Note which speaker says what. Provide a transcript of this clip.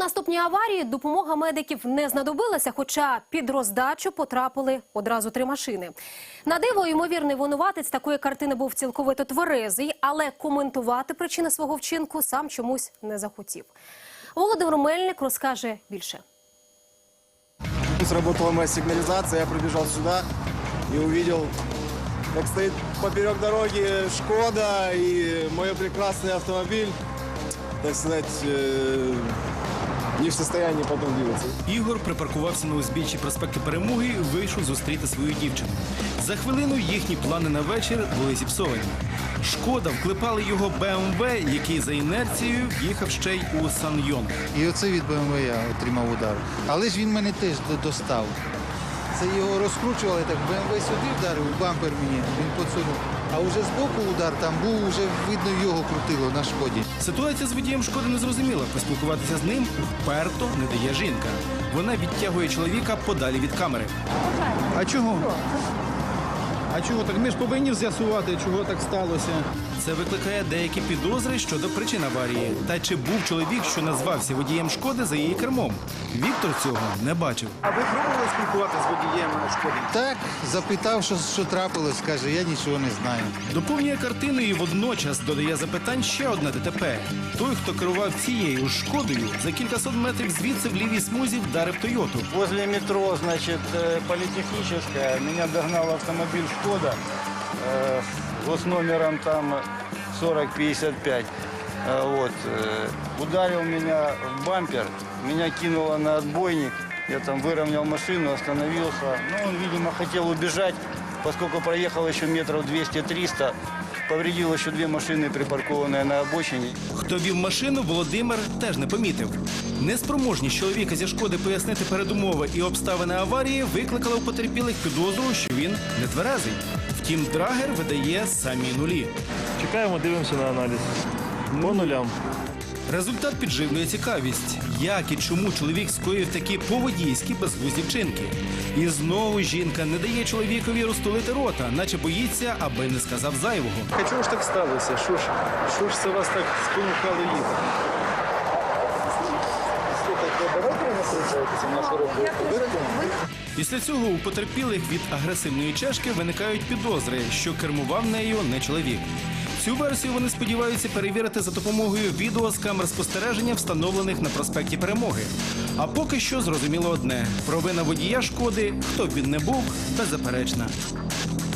Speaker 1: наступній аварії допомога медиків не знадобилася, хоча під роздачу потрапили одразу 3 машини. На диво, ймовірний винуватець такої картини був цілковито тверезий, але коментувати причини свого вчинку сам чомусь не захотів. Володимир Мельник розкаже більше.
Speaker 2: Сработала моя сигнализация, я пробежал сюда и увидел, как стоит поперек дороги «Шкода» и мой прекрасный автомобиль, так сказать, не в состоянии потом двигаться.
Speaker 3: Ігор припаркувався на узбіччі проспекту Перемоги і вийшов зустріти свою дівчину. За хвилину їхні плани на вечір були зіпсовані. «Шкода» вклепали його БМВ, який за інерцією їхав ще й у Санйон.
Speaker 4: І оце від БМВ я отримав удар. Але ж він мене теж достав. Це його розкручували, так БМВ сюди вдарив, бампер мені, він подсунув. А вже збоку удар, там був, вже видно його крутило на «Шкоді».
Speaker 3: Ситуація з водієм «Шкоди» не зрозуміла. Поспілкуватися з ним вперто не дає жінка. Вона відтягує чоловіка подалі від камери.
Speaker 5: А чого? А чого так? Ми ж повинні з'ясувати, чого так сталося.
Speaker 3: Це викликає деякі підозри щодо причин аварії. Та чи був чоловік, що назвався водієм «Шкоди» за її кермом? Віктор цього не бачив.
Speaker 5: А ви пробували спілкуватися з водієм «Шкоди»?
Speaker 4: Так, запитав, що трапилось, каже, я нічого не знаю.
Speaker 3: Доповнює картину і водночас додає запитань ще одне ДТП. Той, хто керував цією «Шкодою», за кількасот метрів звідси в лівій смузі вдарив «Тойоту».
Speaker 6: Возле метро, значит, Политехническая, меня догнал автомобиль «Шкода», госномером там 4055. Вот, ударил меня в бампер, меня кинуло на отбойник, я там выровнял машину, остановился. Ну, он, видимо, хотел убежать, поскольку проехал еще метров 200-300, повредил еще 2 машины, припаркованные на обочине.
Speaker 3: Хто вів машину, Володимир теж не помітив. Неспроможність чоловіка зі «Шкоди» пояснити передумови і обставини аварії викликала у потерпілих підозру, що він не тверезий. Втім, драгер видає самі нулі.
Speaker 7: Чекаємо, дивимося на аналіз. По нулям.
Speaker 3: Результат підживлює цікавість. Як і чому чоловік скоїв такі поводійські безглузді вчинки? І знову жінка не дає чоловікові розтулити рота, наче боїться, аби не сказав зайвого.
Speaker 7: А чого ж так сталося? Що ж це вас так спонукало їхати?
Speaker 3: Після цього у потерпілих від агресивної чешки виникають підозри, що кермував нею не чоловік. Цю версію вони сподіваються перевірити за допомогою відео з камер спостереження, встановлених на проспекті Перемоги. А поки що зрозуміло одне – провина водія «Шкоди», хто б він не був, беззаперечна.